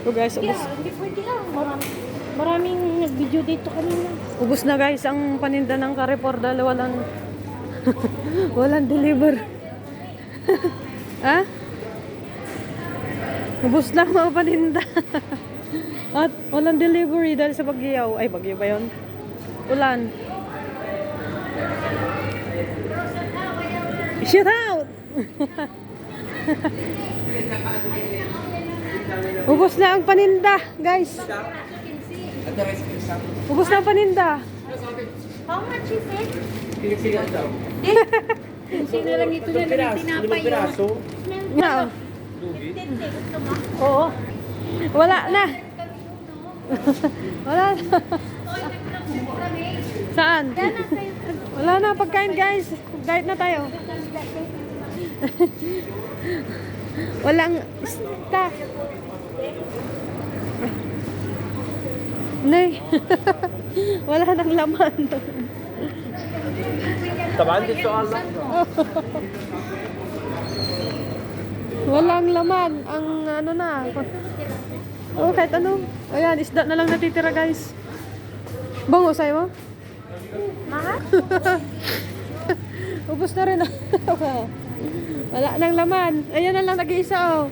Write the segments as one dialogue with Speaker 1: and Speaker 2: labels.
Speaker 1: So guys, ubos.
Speaker 2: Hindi pwede lang. Maraming nag-video dito kanina.
Speaker 1: Ubos na guys ang paninda ng Carrefour dahil walang walang deliver. Ha? Ubos lang mga paninda. At walang delivery dahil sa bagyo. Ay, bagyo ba yun? Ulan. Shoot out! Ubos na ang paninda, guys. Ubos na ang paninda.
Speaker 2: How much is it?
Speaker 3: Pilipinas daw.
Speaker 2: Sino lang ito na lang tinapay yun.
Speaker 3: Piraso.
Speaker 1: Na.
Speaker 2: Gusto mo?
Speaker 1: Oo. Wala na. Wala na. Saan? Wala na pagkain, guys. Diet na tayo. Walang stock. Nay. Wala nang laman.
Speaker 3: Tamaan dito Allah.
Speaker 1: Walang laman. Ang ano na. Oh, kahit ano. Ayan, isda na lang natitira, guys. Bango sa'yo mo?
Speaker 2: Mahal?
Speaker 1: Ubus na rin. Wala nang laman. Ayan na lang nag-iisa, oh.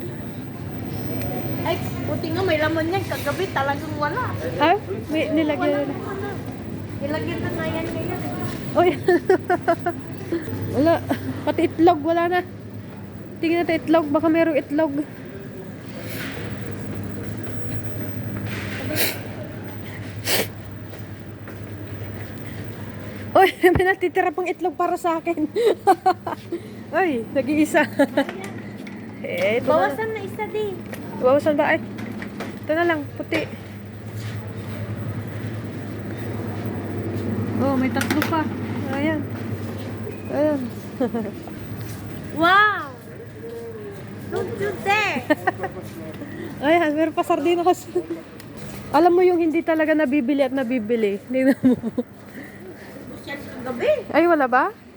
Speaker 2: Ay, puti nga may laman yan. Kagabi talagang wala.
Speaker 1: Ay, may nilagyan.
Speaker 2: Nilagyan na nga yan ngayon.
Speaker 1: Oy. Wala. Pati itlog, wala na. Tingnan natin itlog. Baka merong itlog. Oy, may natitira pang itlog para sa akin. Oy, nag-iisa. Ito na.
Speaker 2: Bawasan na isa din.
Speaker 1: Bawasan ba? Ay, ito na lang, puti. Oh, may tatlo pa. Ayan. Ayan.
Speaker 2: Wow! Don't do that!
Speaker 1: Ayan, meron pa sardinas. Alam mo yung hindi talaga nabibili at nabibili. Tingnan mo.
Speaker 2: Siya kagabi.
Speaker 1: Ay, wala ba?